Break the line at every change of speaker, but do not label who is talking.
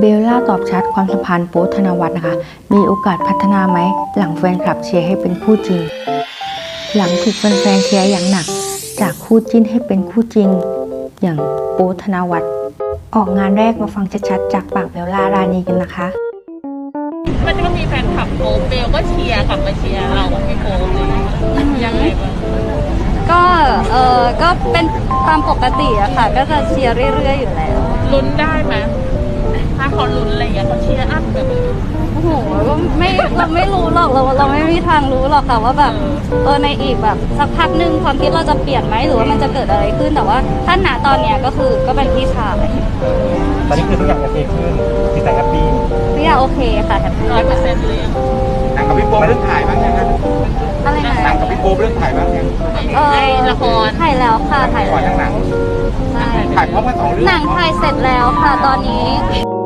เบลล่าตอบชัดความสัมพันธ์โป๊ปธนวัฒน์นะคะ มีโอกาสพัฒนาไหมหลังแฟนคลับเชียร์ให้เป็นคู่จริง หลังถูกแฟนๆเชียร์อย่างหนักจากคู่จิ้นให้เป็นคู่จริง อย่างโป๊ปธนวัฒน์ออกงานแรกมาฟังชัดๆจากปากเบลล่ารานีกันนะคะ
มันก็มีแฟนคลับโป๊ปเบลก็เชียร์กลับมาเชียร์เราไม่โป๊ปเลยยังไงบ้าง
ก็เป็นตามปกติอะค่ะก็จะเชียร์เรื่อยๆอยู่แล้ว
ลุ้นได้ไหมถ้าเขาลุ้นอะไรอย่างเงี้ยเขาเชียร์อัพแบบ
โอ้โหก็ไม่เราไม่รู้หรอกเราไม่มีทางรู้หรอกค่ะว่าแบบในอีกแบบสักพักหนึ่งความคิดเราจะเปลี่ยนไหมหรือว่ามันจะเกิดอะไรขึ้นแต่ว่าถ้าณตอนเนี้ยก็คือก็เป็นพี่ชาย
ตอนนี้คือทุกอย่างโอเคขึ้นจิตใจแฮปปี้
ทุกอย่างโอเคค่ะแฮปปี้
100%เลย
หนังกับพี่โป๊ปเรื่องถ่ายบ้างยังครับ
อะไรนะ
หนังกับพี่โป๊ปเรื่องถ่ายบ้างยัง
ไอ้ละคร
ถ่ายแล้วค่ะถ่าย
ก่อน
แล้ว
ทั้งหนัง
ใช่
ถ่ายพร้อมกัน2 เรื่อง
หนังถ่ายเสร็จแล้วค่ะตอนนี้